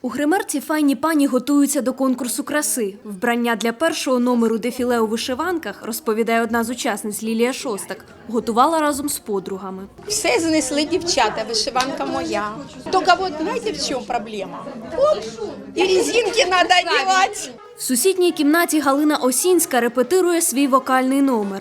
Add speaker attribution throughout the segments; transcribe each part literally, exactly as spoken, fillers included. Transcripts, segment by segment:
Speaker 1: У гримерці файні пані готуються до конкурсу краси. Вбрання для першого номеру дефіле у вишиванках, розповідає одна з учасниць Лілія Шостак, готувала разом з подругами.
Speaker 2: Все знесли дівчата, вишиванка моя. Тільки от, знаєте, в чому проблема? Оп, і резинки треба одягати.
Speaker 1: В сусідній кімнаті Галина Осінська репетирує свій вокальний номер.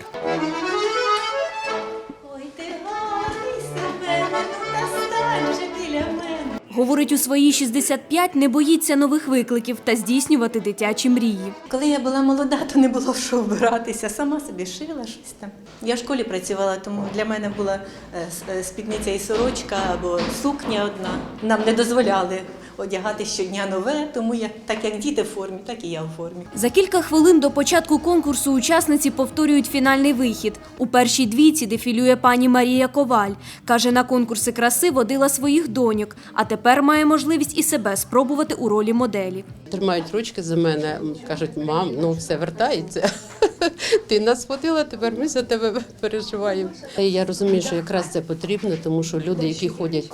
Speaker 1: Говорить, у свої шістдесят п'ять не боїться нових викликів та здійснювати дитячі мрії.
Speaker 3: Коли я була молода, то не було в що вбиратися. Сама собі шила щось там. Я в школі працювала, тому для мене була спідниця і сорочка або сукня одна. Нам не дозволяли одягати щодня нове, тому я так як діти в формі, так і я в формі.
Speaker 1: За кілька хвилин до початку конкурсу учасниці повторюють фінальний вихід. У першій двійці дефілює пані Марія Коваль. Каже, на конкурси краси водила своїх доньок, а тепер має можливість і себе спробувати у ролі моделі.
Speaker 4: Тримають ручки за мене, кажуть, мам, ну все вертається. Ти нас водила, тепер ми за тебе переживаємо. Я розумію, що якраз це потрібно, тому що люди, які ходять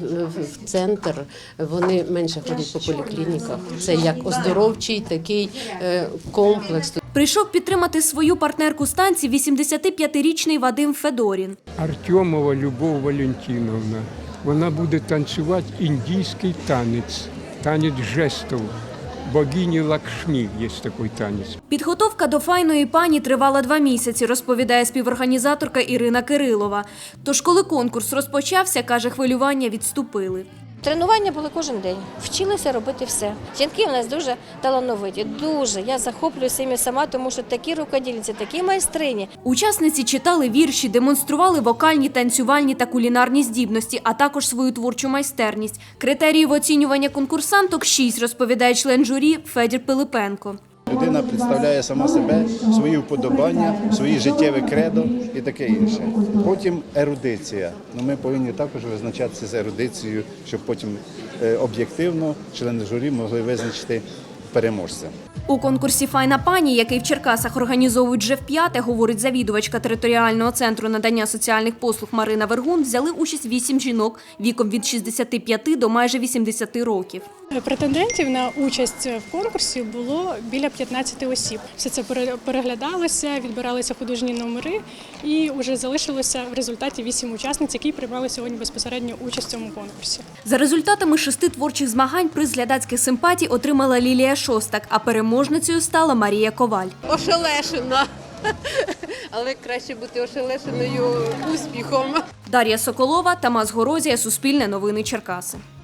Speaker 4: в центр, вони менше ходять по поліклініках. Це як оздоровчий такий комплекс.
Speaker 1: Прийшов підтримати свою партнерку з танців вісімдесятип'ятирічний Вадим Федорін.
Speaker 5: Артемова Любов Валентиновна. Вона буде танцювати індійський танець, танець жестів. Богині Лакшмі є такий танець.
Speaker 1: Підготовка до файної пані тривала два місяці, розповідає співорганізаторка Ірина Кирилова. Тож, коли конкурс розпочався, каже, хвилювання відступили.
Speaker 6: Тренування були кожен день. Вчилися робити все. Жінки у нас дуже талановиті, дуже. Я захоплююся ними сама, тому що такі рукодільниці, такі майстрині.
Speaker 1: Учасниці читали вірші, демонстрували вокальні, танцювальні та кулінарні здібності, а також свою творчу майстерність. Критеріїв оцінювання конкурсанток – шість, розповідає член журі Федір Пилипенко.
Speaker 7: Людина представляє сама себе, свої вподобання, свої життєві кредо і таке інше. Потім ерудиція. Ну, ми повинні також визначатися з ерудицією, щоб потім об'єктивно члени журі могли визначити переможця.
Speaker 1: У конкурсі «Файна пані», який в Черкасах організовують вже вп'яте, говорить завідувачка територіального центру надання соціальних послуг Марина Вергун, взяли участь вісім жінок віком від шістдесяти п'яти до майже вісімдесяти років.
Speaker 8: Претендентів на участь в конкурсі було біля п'ятнадцяти осіб. Все це переглядалося, відбиралися художні номери і вже залишилося в результаті вісім учасниць, які приймали сьогодні безпосередньо участь в цьому конкурсі.
Speaker 1: За результатами шести творчих змагань приз глядацьких симпатій отримала Лілія Шостак, а переможницею стала Марія Коваль.
Speaker 4: Ошелешена, але краще бути ошелешеною успіхом.
Speaker 1: Дар'я Соколова, Тамас Горозія, Суспільне новини Черкаси.